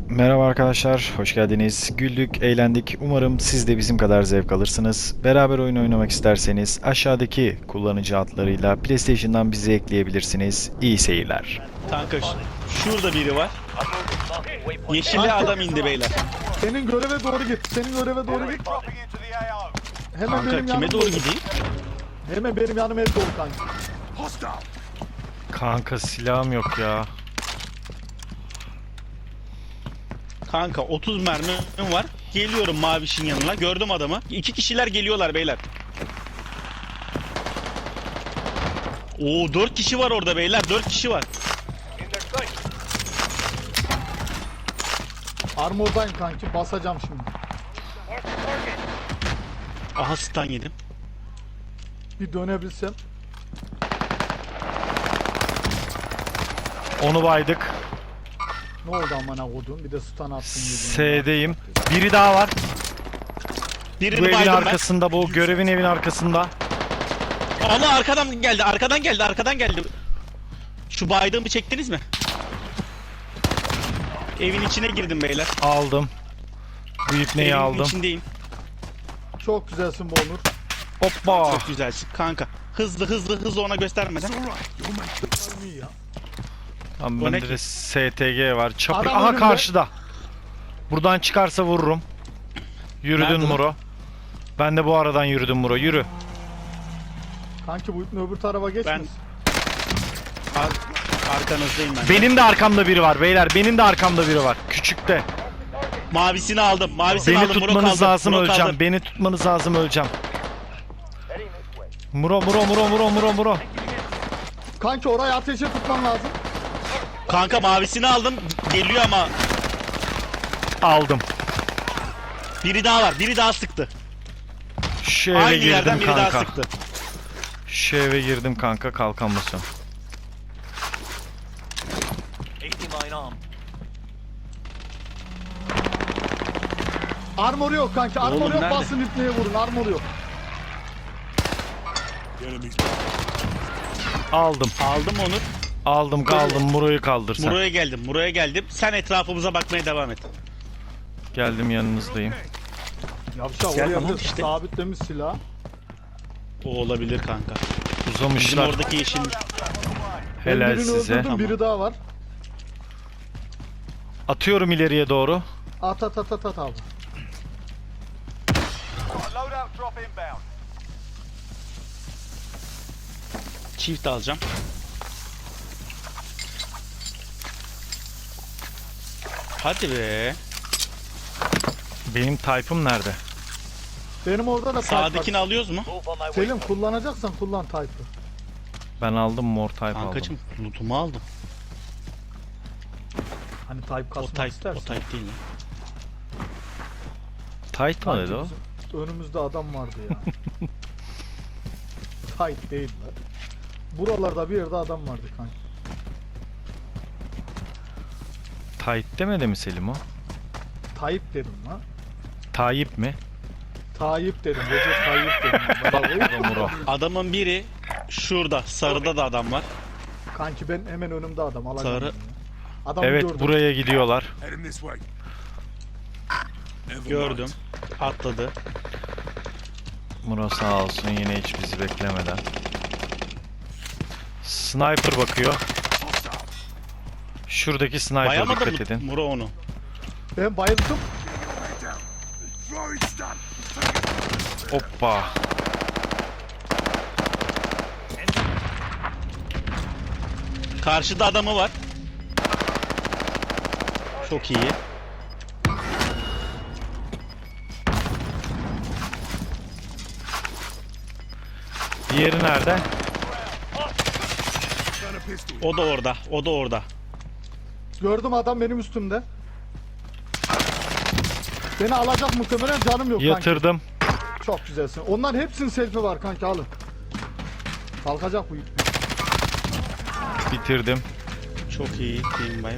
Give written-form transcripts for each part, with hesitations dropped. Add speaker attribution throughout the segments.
Speaker 1: Merhaba arkadaşlar, hoş geldiniz. Güldük, eğlendik. Umarım siz de bizim kadar zevk alırsınız. Beraber oyun oynamak isterseniz aşağıdaki kullanıcı adlarıyla PlayStation'dan bizi ekleyebilirsiniz. İyi seyirler.
Speaker 2: Kanka şurada biri var. Yeşilli adam indi beyler.
Speaker 3: Senin göreve doğru git. Senin göreve doğru git. Hemen
Speaker 2: Kanka
Speaker 3: benim
Speaker 2: kime
Speaker 3: yanıma
Speaker 2: doğru gideyim?
Speaker 3: Hemen benim yanıma el doğru kanka.
Speaker 1: Kanka silahım yok ya.
Speaker 2: Kanka 30 mermim var. Geliyorum mavişin yanına. Gördüm adamı. 2 kişiler geliyorlar beyler. Oo 4 kişi var orada beyler. 4 kişi var.
Speaker 3: Armordayım kanki. Basacağım şimdi.
Speaker 2: Aha stun yedim.
Speaker 3: Bir dönebilsem.
Speaker 1: Onu baydık.
Speaker 3: Ne oldu amına kodum? Bir de stun attın.
Speaker 1: S'deyim. Biri daha var.
Speaker 2: Birini
Speaker 1: Bu evin
Speaker 2: baydım
Speaker 1: arkasında, bu görevin evin arkasında.
Speaker 2: ben. Allah arkadan geldi. Arkadan geldi. Arkadan geldi. Şu baydığımı çektiniz mi? Evin içine girdim beyler.
Speaker 1: Aldım. Bu ipneyi
Speaker 2: Evin
Speaker 1: aldım.
Speaker 2: içindeyim.
Speaker 3: Çok güzelsin bu Onur.
Speaker 1: Hoppa.
Speaker 2: Çok güzelsin kanka. Hızlı ona göstermeden.
Speaker 3: İyi ya.
Speaker 1: Tamam,
Speaker 2: O ne
Speaker 1: bende
Speaker 2: ki?
Speaker 1: de STG var. Çapı.
Speaker 3: Adam
Speaker 1: Aha
Speaker 3: önümde.
Speaker 1: karşıda. Buradan çıkarsa vururum. Yürüdün
Speaker 2: Nerede lan?
Speaker 1: Muro. Ben de bu aradan yürüdüm Muro. Yürü.
Speaker 3: Kanki bu ipin öbür tarafa geçmesin.
Speaker 2: Arkanızdayım ben.
Speaker 1: Benim de arkamda biri var beyler. Benim de arkamda biri var. Küçükte.
Speaker 2: Mavisini aldım. Mavisini
Speaker 1: Beni
Speaker 2: aldım. Muro
Speaker 1: tutmanız
Speaker 2: kaldı.
Speaker 1: lazım,
Speaker 2: Muro
Speaker 1: öleceğim.
Speaker 2: kaldı.
Speaker 1: Beni tutmanız lazım, öleceğim. Muro.
Speaker 3: Kanki orayı ateşe tutman lazım.
Speaker 2: Kanka mavisini aldım. Geliyor ama
Speaker 1: Aldım.
Speaker 2: biri daha var. Biri daha sıktı.
Speaker 1: Şu eve
Speaker 2: Aynı yerden
Speaker 1: girdim
Speaker 2: biri daha
Speaker 1: kanka.
Speaker 2: sıktı.
Speaker 1: Şu eve girdim kanka, kalkamıyorsun.
Speaker 3: Armor yok kanki. Armor
Speaker 2: Oğlum
Speaker 3: yok.
Speaker 2: nerede?
Speaker 3: Basın ipneye vurun. Armor yok.
Speaker 1: Aldım.
Speaker 2: Aldım onu.
Speaker 1: Aldım, kaldım. Muro'yu kaldır sen.
Speaker 2: Muro'ya geldim. Sen etrafımıza bakmaya devam et.
Speaker 1: Geldim, yanınızdayım.
Speaker 3: Yavşak
Speaker 2: Gel
Speaker 3: oraya
Speaker 2: tamam
Speaker 3: bir
Speaker 2: işte.
Speaker 3: sabitlemiş silah.
Speaker 2: O olabilir kanka. Bizim
Speaker 1: Uzamışlar.
Speaker 2: oradaki yeşil.
Speaker 3: Ben
Speaker 1: Helal
Speaker 3: birini
Speaker 1: size.
Speaker 3: öldürdüm.
Speaker 2: Tamam.
Speaker 3: Biri daha var.
Speaker 1: Atıyorum ileriye doğru.
Speaker 3: At abi.
Speaker 2: Çift alacağım. Hadi be.
Speaker 1: Benim type'ım nerede?
Speaker 3: Benim orada da type var.
Speaker 2: Sağdakini alıyoruz mu?
Speaker 3: Selim kullanacaksan kullan type'ı.
Speaker 1: Ben aldım, mor type
Speaker 2: Kankacım
Speaker 1: aldım.
Speaker 2: lootumu aldım.
Speaker 3: Hani type
Speaker 2: O
Speaker 3: kasmak
Speaker 2: type,
Speaker 3: istersen.
Speaker 2: o type değil lan.
Speaker 1: Tight mı dedi o?
Speaker 3: Önümüzde adam vardı ya. Tight değil lan. Buralarda bir yerde adam vardı kanka.
Speaker 1: Tight demedi mi Selim o?
Speaker 3: Tayyip dedim lan.
Speaker 1: Tayyip mi?
Speaker 3: Tayyip dedim. Recep Tayyip dedim.
Speaker 1: O da Muro.
Speaker 2: Adamın biri şurada. Sarıda da adam var.
Speaker 3: Kanki ben hemen önümde adam. Alacağım
Speaker 2: Sarı.
Speaker 3: onu ya. Adamı
Speaker 1: Evet,
Speaker 3: gördüm.
Speaker 1: buraya gidiyorlar.
Speaker 2: Gördüm. Atladı.
Speaker 1: Muro sağ olsun, yine hiç bizi beklemeden. Sniper bakıyor. Şuradaki sniper'a
Speaker 2: Bayamadı
Speaker 1: dikkat
Speaker 2: mı
Speaker 1: edin.
Speaker 2: Muro onu?
Speaker 3: Ben bayıldım.
Speaker 1: Hoppa.
Speaker 2: Karşıda adamı var. Çok iyi.
Speaker 1: Diğeri nerede?
Speaker 2: O da orada. O da orada.
Speaker 3: Gördüm adam benim üstümde. Beni alacak muhtemelen canım yok kanki.
Speaker 1: Yatırdım.
Speaker 3: Çok güzelsin. Onların hepsinin selfie var kanki alın. Kalkacak bu.
Speaker 1: Bitirdim.
Speaker 2: Çok iyi. Team wipe.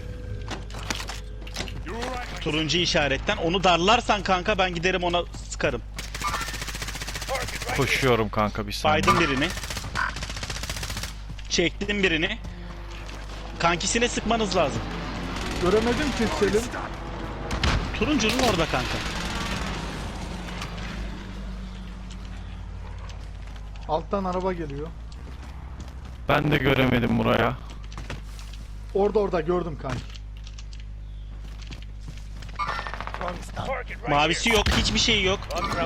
Speaker 2: Turuncu işaretten. Onu darlarsan kanka ben giderim ona sıkarım.
Speaker 1: Koşuyorum kanka, bir saniye.
Speaker 2: Baydım birini. Çektim birini. Kankisine sıkmanız lazım.
Speaker 3: Göremedim ki Selim.
Speaker 2: Turuncunun orada kanka.
Speaker 3: Alttan araba geliyor.
Speaker 1: Ben de göremedim buraya.
Speaker 3: Orada gördüm kanki.
Speaker 2: Mavisi yok, hiçbir şey yok.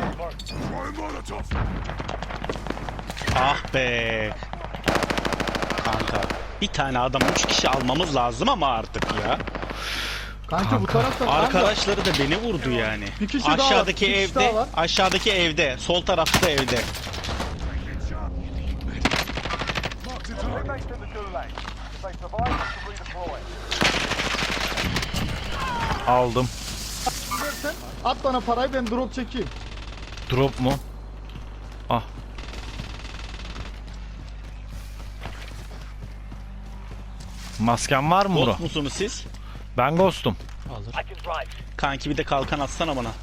Speaker 2: Ah be. Kanka bir tane adam 3 kişi almamız lazım ama artık ya.
Speaker 3: Kanki bu tarafta kanka.
Speaker 2: Arkadaşları da beni vurdu yani.
Speaker 3: Bir kişi daha var,
Speaker 2: Aşağıdaki
Speaker 3: bir kişi
Speaker 2: evde,
Speaker 3: daha var.
Speaker 2: aşağıdaki evde, sol tarafta evde.
Speaker 1: Aldım.
Speaker 3: Sen at bana parayı, ben drop çekeyim.
Speaker 1: Drop mu? Ah. Masken var mı Muro?
Speaker 2: Ghost musunuz siz?
Speaker 1: Ben Ghost'um.
Speaker 2: Alır. Kanki bir de kalkan atsana bana.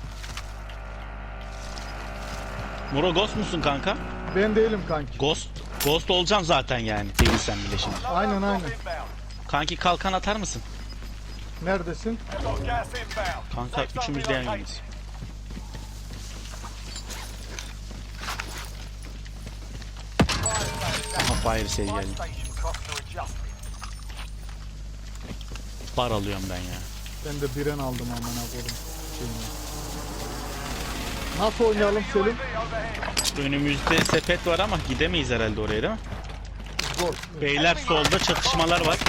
Speaker 2: Muro Ghost musun kanka?
Speaker 3: Ben değilim kanki.
Speaker 2: Ghost olacaksın zaten yani. Değilsen bile şimdi.
Speaker 3: Aynen.
Speaker 2: Kanki kalkan atar mısın?
Speaker 3: Neredesin?
Speaker 2: Kanka üçümüz de yan yanayız. Aha fire sale geldi. Bar alıyorum ben ya.
Speaker 3: Ben de biren aldım amına koydum. Nasıl oynayalım Selim?
Speaker 2: Önümüzde sepet var ama gidemeyiz herhalde oraya değil mi?
Speaker 3: Zor.
Speaker 2: Beyler solda çatışmalar var.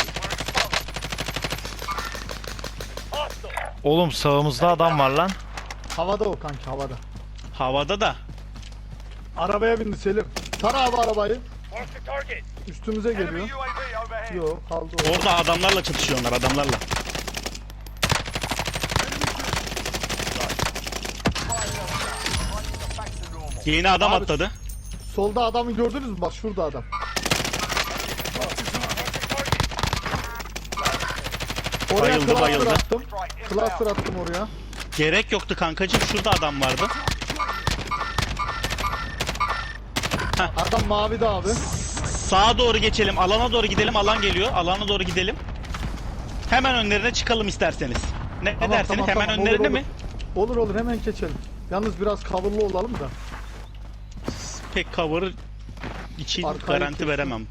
Speaker 1: Oğlum sağımızda adam var lan.
Speaker 3: Havada o kanki, havada.
Speaker 2: Havada da.
Speaker 3: Arabaya bindi Selim. Tara abi arabayı. Üstümüze geliyor. Yok kaldı o.
Speaker 2: Orada adamlarla çatışıyorlar adamlarla. Yeni adam
Speaker 3: Abi,
Speaker 2: atladı.
Speaker 3: Solda adamı gördünüz mü? Bak şurada adam. Oraya
Speaker 2: Bayıldı,
Speaker 3: cluster
Speaker 2: bayıldı.
Speaker 3: attım. Cluster attım oraya.
Speaker 2: Gerek yoktu kankacığım. Şurada adam vardı.
Speaker 3: Adam mavi de abi.
Speaker 2: Sağa doğru geçelim. Alana doğru gidelim. Alan geliyor. Alana doğru gidelim. Hemen önlerine çıkalım isterseniz. Ne
Speaker 3: Tamam,
Speaker 2: dersiniz?
Speaker 3: tamam,
Speaker 2: Hemen
Speaker 3: tamam.
Speaker 2: önlerine
Speaker 3: Olur,
Speaker 2: mi?
Speaker 3: Olur hemen geçelim. Yalnız biraz coverlı olalım da.
Speaker 2: Pek cover için
Speaker 3: Arkayı
Speaker 2: garanti
Speaker 3: kesin.
Speaker 2: veremem.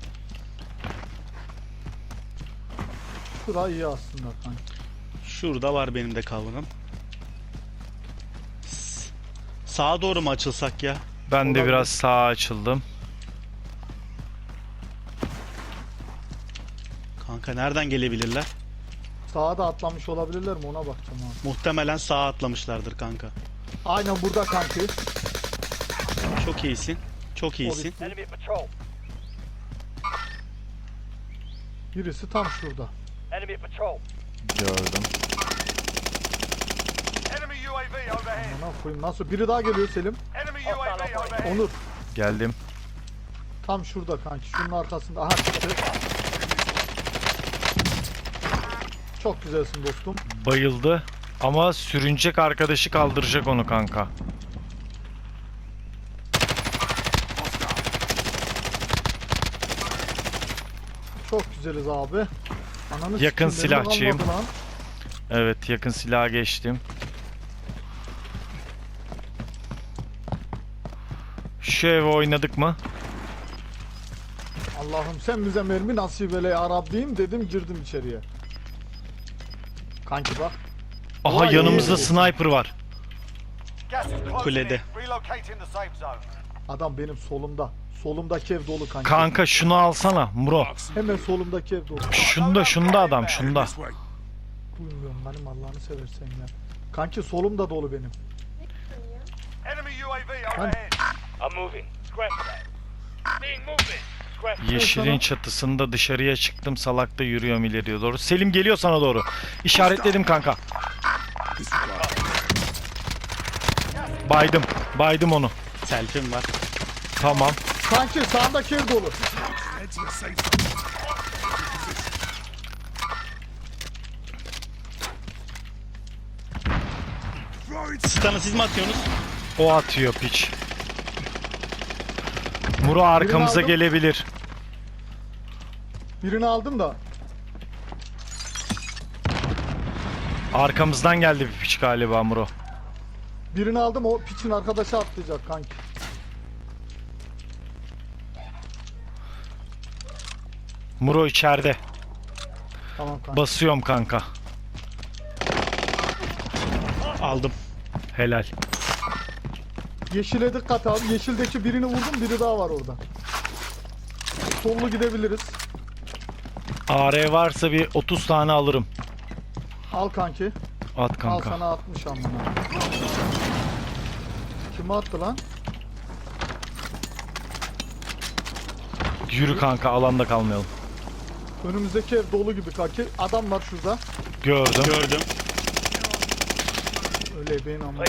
Speaker 3: Şura iyi aslında kanki.
Speaker 2: Şurada var benim de cover'ım. Sağa doğru mu açılsak ya?
Speaker 1: Ben de
Speaker 3: Olabilir.
Speaker 1: biraz sağa açıldım.
Speaker 2: Kanka nereden gelebilirler?
Speaker 3: Sağa da atlamış olabilirler mi? Ona bakacağım abi.
Speaker 2: Muhtemelen sağa atlamışlardır kanka.
Speaker 3: Aynen burada kanki.
Speaker 2: Çok iyisin. Çok iyisin.
Speaker 3: Birisi tam şurada.
Speaker 1: Gördüm.
Speaker 3: Bana koyayım. Nasıl? Biri daha geliyor Selim. Onur.
Speaker 1: Geldim.
Speaker 3: Tam şurada kanki. Şunun arkasında. Aha çıktı. Çok güzelsin dostum.
Speaker 1: Bayıldı. Ama sürünecek arkadaşı kaldıracak onu kanka.
Speaker 3: Çok güzeliz abi. Ananı
Speaker 1: Yakın
Speaker 3: sikeyim, benim
Speaker 1: silahçıyım.
Speaker 3: olmadı lan.
Speaker 1: Evet, yakın silaha geçtim. Şu eve oynadık mı?
Speaker 3: Allah'ım sen bize mermi nasip eyle ya Rabbim dedim, girdim içeriye. Kanki bak.
Speaker 1: Aha,
Speaker 3: Vay,
Speaker 1: yanımızda
Speaker 3: iyi.
Speaker 1: sniper var.
Speaker 2: Kulede.
Speaker 3: Adam benim solumda. Solumdaki ev dolu kanki.
Speaker 1: Kanka şunu alsana Muro.
Speaker 3: Hemen solumdaki ev dolu.
Speaker 1: Şunda adam şunda.
Speaker 3: Duymuyorum benim, Allah'ını seversen ya. Kanki solumda dolu benim.
Speaker 1: Yeşilin çatısında dışarıya çıktım, salakta yürüyorum ileriye doğru. Selim geliyor sana doğru. İşaretledim kanka. Baydım onu.
Speaker 2: Selfie'm var.
Speaker 1: Tamam.
Speaker 3: Kanki sağındaki ev dolu.
Speaker 2: Stun'ı siz mi atıyorsunuz?
Speaker 1: O atıyor piç. Muro arkamıza
Speaker 3: aldım.
Speaker 1: gelebilir.
Speaker 3: Birini aldım da.
Speaker 1: Arkamızdan geldi bir piç galiba Muro.
Speaker 3: Birini aldım, o piçin arkadaşı atlayacak kanki.
Speaker 1: Muro içeride.
Speaker 3: Tamam kanki.
Speaker 1: Basıyorum kanka.
Speaker 2: Aldım.
Speaker 1: Helal.
Speaker 3: Yeşile dikkat abi. Yeşildeki birini vurdum, biri daha var orada. Sollu gidebiliriz.
Speaker 1: AR varsa bir 30 tane alırım.
Speaker 3: Al kanki.
Speaker 1: At
Speaker 3: Al
Speaker 1: kanka.
Speaker 3: sana 60 amına. Kime attı lan?
Speaker 1: Yürü kanka, alanda kalmayalım.
Speaker 3: Önümüzdeki ev dolu gibi kanki. Adam var şurada.
Speaker 1: Gördüm.
Speaker 2: Gördüm.
Speaker 3: Öyle beyin amına.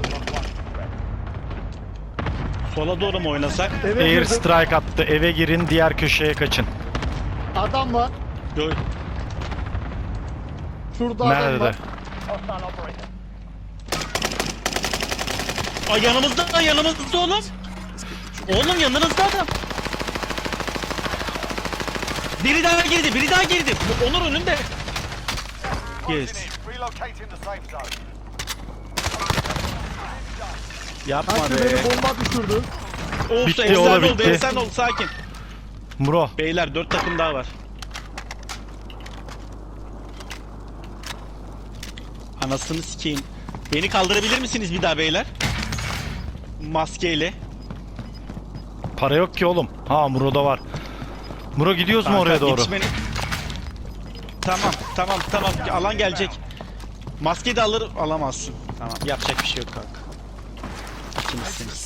Speaker 2: Sola doğru mu oynasak?
Speaker 3: Eve
Speaker 1: Air
Speaker 3: girdim.
Speaker 1: strike attı. Eve girin, diğer köşeye kaçın.
Speaker 3: Adam var.
Speaker 2: Gör.
Speaker 3: Şurada adam
Speaker 1: Nerede?
Speaker 3: var.
Speaker 2: Ay yanımızda oğlum. Oğlum yanınızda adam. Biri daha girdi. Onur önünde. Yes.
Speaker 4: Relocating the safe zone.
Speaker 2: Yapma
Speaker 3: Kanki
Speaker 2: be.
Speaker 3: beni bomba düşürdü.
Speaker 2: Olsun,
Speaker 1: Bitti,
Speaker 2: efsane
Speaker 1: ola
Speaker 2: oldu,
Speaker 1: bitti.
Speaker 2: efsane oldu, sakin.
Speaker 1: Muro.
Speaker 2: Beyler 4 takım daha var. Anasını sikeyim. Beni kaldırabilir misiniz bir daha beyler? Maskeyle.
Speaker 1: Para yok ki oğlum. Ha, Muro'da var. Muro gidiyoruz mu oraya doğru?
Speaker 2: yetişmeni- Tamam. Alan gelecek. Maske de alamazsın. Tamam, yapacak bir şey yok kanka. İkinizsiniz.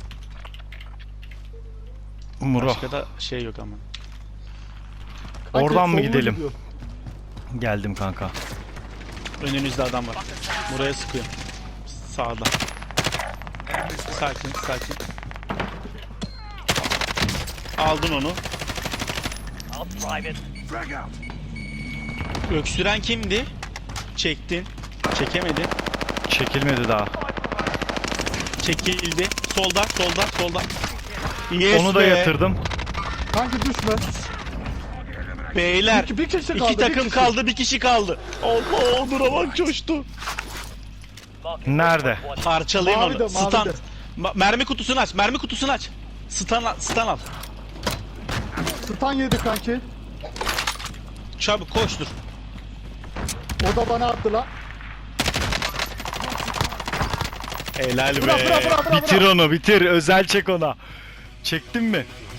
Speaker 1: Muro.
Speaker 2: Başka da şey yok ama.
Speaker 3: Kanki
Speaker 1: Oradan mı
Speaker 3: sollu
Speaker 1: gidelim?
Speaker 3: gidiyor.
Speaker 1: Geldim kanka.
Speaker 2: Önünüzde adam var. Buraya sıkıyor. Sağda. Sakin. Aldın onu. Öksüren kimdi? Çektin. Çekemedin.
Speaker 1: Çekilmedi daha.
Speaker 2: Çekildi. Solda. Yes
Speaker 1: Onu da
Speaker 2: be.
Speaker 1: yatırdım.
Speaker 3: Kanki düşme.
Speaker 2: Beyler.
Speaker 3: Bir kişi kaldı,
Speaker 2: İki takım
Speaker 3: bir kişi.
Speaker 2: kaldı. Bir kişi kaldı. Allah, Onur'a bak coştu.
Speaker 1: Nerede?
Speaker 2: Parçalayın
Speaker 3: Mavide,
Speaker 2: onu. Stand.
Speaker 3: mavide.
Speaker 2: Mermi kutusunu aç. Stun al.
Speaker 3: Stan yedi kanki.
Speaker 2: Çabuk koştur.
Speaker 3: O da bana attı lan.
Speaker 2: Helal be.
Speaker 3: Bırak.
Speaker 1: Bitir onu, bitir. Özel çek ona. Çektin mi?